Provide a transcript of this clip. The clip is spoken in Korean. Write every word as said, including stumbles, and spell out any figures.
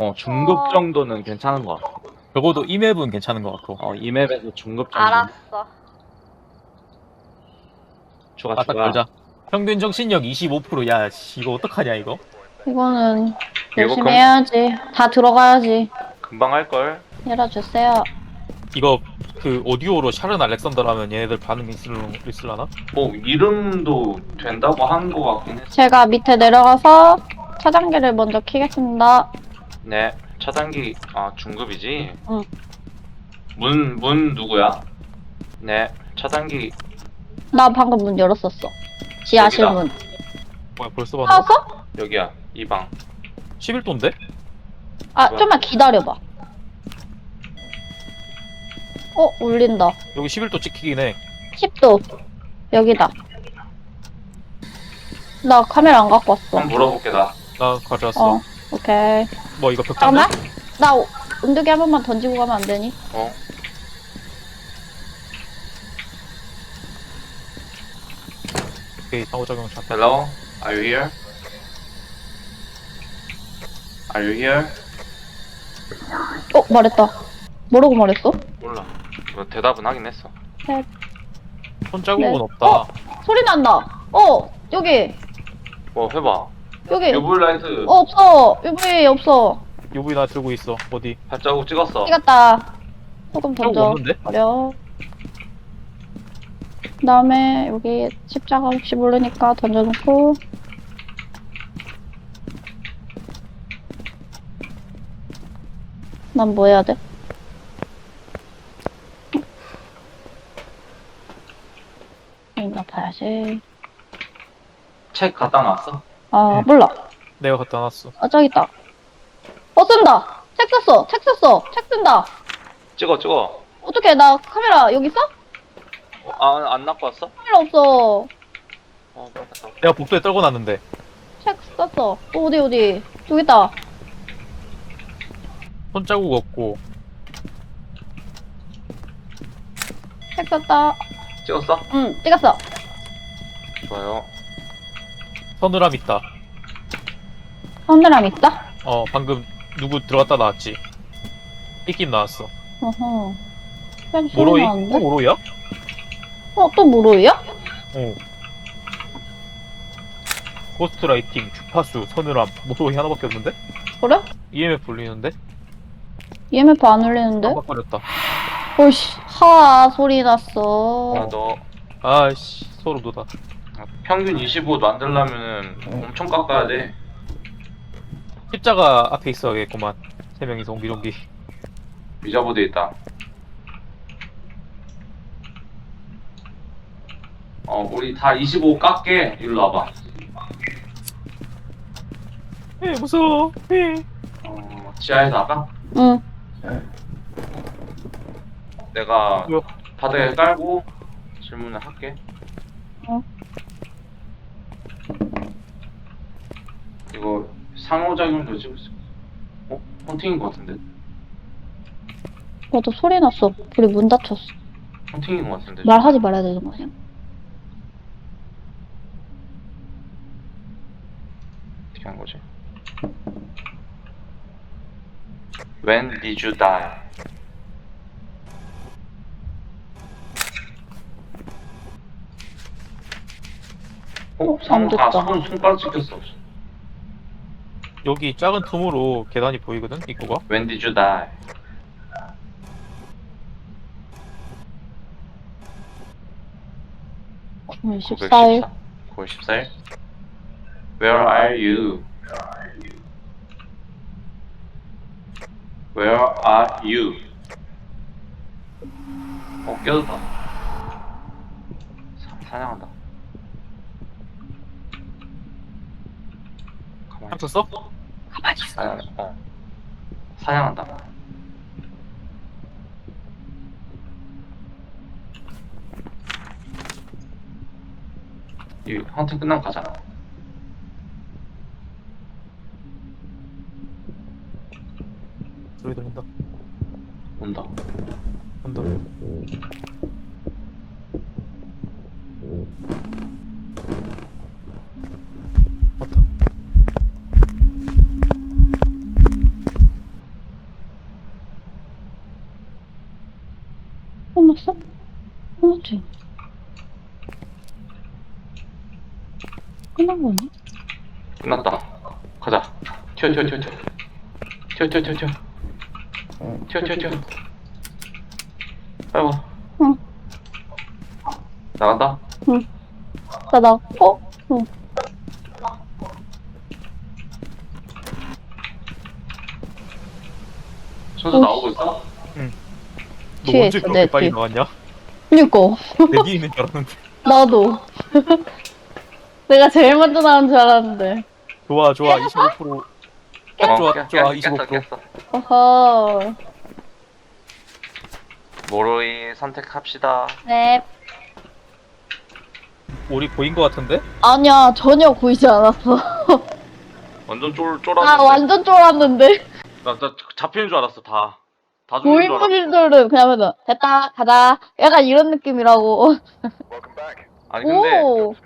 어 중급 어. 정도는 괜찮은 것 같아. 적어도 이 맵은 괜찮은 것 같고. 어 이 맵에서 중급 정도. 알았어. 추가 아, 딱 추가. 걸자. 평균 정신력 이십오 퍼센트. 야, 씨, 이거 어떡하냐, 이거? 이거는 열심히 금- 해야지. 다 들어가야지. 금방 할 걸. 열어주세요. 이거 그 오디오로 샤른 알렉산더라면 얘네들 반응 있을, 있을라나? 뭐 이름도 된다고 하는 것 같긴 했어. 제가 밑에 내려가서 차단기를 먼저 켜겠습니다. 네. 차단기 아 중급이지. 응. 문 문 누구야? 네. 차단기 나 방금 문 열었었어. 지하실 여기다. 문. 뭐야, 벌써 봤나? 나왔어? 여기야. 이 방. 십일 도인데? 아, 뭐야? 좀만 기다려봐. 어, 울린다. 여기 십일 도 찍히긴 해. 십 도. 여기다. 나 카메라 안 갖고 왔어. 한번 물어볼게 나. 나 가져왔어. 어, 오케이. 뭐, 이거 벽장데? 잠깐만. 나 오- 온도계 한 번만 던지고 가면 안 되니? 어. 오케이, 상호작용 샷. Hello. Are you here? Are you here? 어, 말했다. 뭐라고 말했어? 몰라. 뭐 대답은 하긴 했어. 손자국은 네. 없다. 어? 소리 난다. 어, 여기. 뭐 해봐. 여기. 유블라이트 어, 없어. 유브이 없어. 유브이 나 들고 있어. 어디? 발자국 찍었어. 찍었다. 소금 저거 던져. 없는데? 버려. 그 다음에 여기 십자가 혹시 모르니까 던져놓고. 난 뭐 해야 돼? 있나 봐야지. 책 갖다 놨어? 아, 응. 몰라. 내가 갖다 놨어. 아, 저기 있다. 어, 쓴다! 책 썼어! 책 썼어! 책 쓴다! 찍어 찍어. 어떡해, 나 카메라 여기 있어? 어, 아, 안 갖고 왔어? 카메라 없어. 어, 빨리 갔다 와. 내가 복도에 떨고 놨는데. 책 썼어. 어, 어디, 어디. 저기 있다. 손자국 없고. 책 썼다. 찍었어? 응, 찍었어. 좋아요. 서늘함 있다. 선들함 있다? 어, 방금 누구 들어갔다 나왔지? 삐낌 나왔어. 어허. pen 소리 모로이? 또 나는데? 모로이야? 어, 또 모로이야? 어. 고스트라이팅, 주파수, 서늘함, 모로이 하나밖에 없는데? 그래? 이엠에프 울리는데? 이엠에프 안 울리는데? 깜빡거렸다. 오이씨, 하 소리 났어. 아, 너 아이씨, 소름 돋아. 평균 이십오 만들려면은 엄청 깎아야 돼. 십자가 앞에 있어야겠구만. 세 명이서 옹기종기. 미자보드에 있다. 어, 우리 다 이십오 깎게. 일로 와봐. 에 무서워. 에. 어, 지하에서 할까? 응. 내가 뭐야? 바닥에 깔고 질문을 할게. 어. 이거 상호작용도 찍을 수 있어. 어? 헌팅인 것 같은데? 맞아, 소리 났어. 우리 문 닫혔어. 헌팅인 것 같은데? 말하지 말아야 되는 거 아니야? 어떻게 한 거지? When did you die? 어? 어, 상호, 안 됐다. 아, 손, 손가락 찍혔어. 여기 작은 틈으로 계단이 보이거든, 입구가? When did you die? 구월 십사일. 구월 십사일. Where are you? Where are you? 어, 깨졌다. 사, 사냥한다. 가만히 한번 써? 가만히 있어. 사냥, 어. 사냥한다. 이 헌팅 끝나면 가자. 소리 들린다. 온다. 온다. 맞다. 끝났어? 끝났지? 끝난 거니? 끝났다. 가자. 튀어 튀어 튀어 튀어. 튀어 튀어 튀어 튀어. 튀어 튀어 튀어. 아이고. 응. 나간다. 응. 나 나왔고? 응. 순서 오, 나오고 있어? 너 뒤에 언제 있어, 그렇게 내 빨리 뒤에. 나왔냐? 그니까. 내 뒤에 있는 줄 알았는데. 나도. 내가 제일 먼저 나온 줄 알았는데. 좋아 좋아 이십오 퍼센트. 딱 좋아 깼, 좋아 깼, 이십오 깼어 퍼센트. 깼어. 어허. 모로이 선택합시다. 네. 우리 보인 거 같은데? 아니야, 전혀 보이지 않았어. 완전 쫄 나 쫄았는데. 완전 쫄았는데. 나, 나 잡히는 줄 알았어 다. 다 죽는 줄 알았어. 고인물들은 그냥 하면서 됐다, 가자. 약간 이런 느낌이라고. 아니 근데 오.